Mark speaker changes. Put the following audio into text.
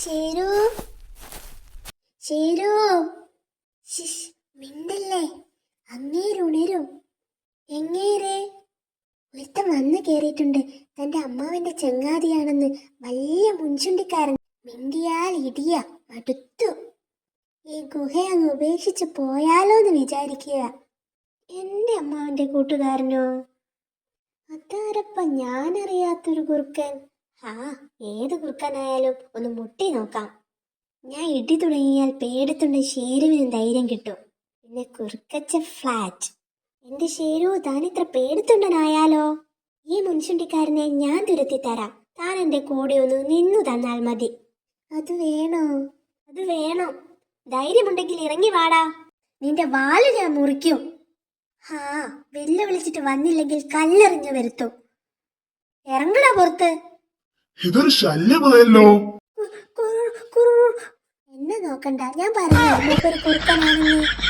Speaker 1: ശേരു ശേരു മിണ്ടല്ലേ, അങ്ങേരുണരും. എങ്ങേരെ? ഒരുത്തൻ വന്ന് കേറിയിട്ടുണ്ട്. തന്റെ അമ്മാവന്റെ ചങ്ങാതിയാണെന്ന്. വലിയ മുൻചുണ്ടിക്കാരൻ. മിണ്ടിയാൽ ഇടിയ. മടുത്തു. ഈ ഗുഹ അങ്ങ് ഉപേക്ഷിച്ച് പോയാലോന്ന് വിചാരിക്കുക. എന്റെ അമ്മാവന്റെ കൂട്ടുകാരനോ? അതാരപ്പ ഞാനറിയാത്തൊരു കുറുക്കൻ. ഏത് കുറുക്കനായാലും ഒന്ന് മുട്ടി നോക്കാം. ഞാൻ ഇടി തുടങ്ങിയാൽ പേടത്തുണ്ട് ഷേരുവിന് ധൈര്യം കിട്ടും. പിന്നെ കുറുക്കച്ച ഫ്ലാറ്റ്. എന്റെ ഷേരു, താനിത്ര പേടത്തുണ്ടനായാലോ? ഈ മുൻചുണ്ടിക്കാരനെ ഞാൻ തുരത്തി തരാം. താൻ എന്റെ കൂടെ ഒന്ന് നിന്നു തന്നാൽ മതി. അത് വേണോ? അത് വേണം. ധൈര്യമുണ്ടെങ്കിൽ ഇറങ്ങി വാടാ. നിന്റെ വാല് ഞാൻ മുറിക്കും. വെല്ലുവിളിച്ചിട്ട് വന്നില്ലെങ്കിൽ കല്ലെറിഞ്ഞു വരുത്തും. ഇറങ്ങടാ പുറത്ത്.
Speaker 2: ഇതൊരു ശല്യമായല്ലോ.
Speaker 1: എന്നെ നോക്കണ്ട, ഞാൻ പറഞ്ഞു ഒരു കുറുക്കനാണെന്ന്.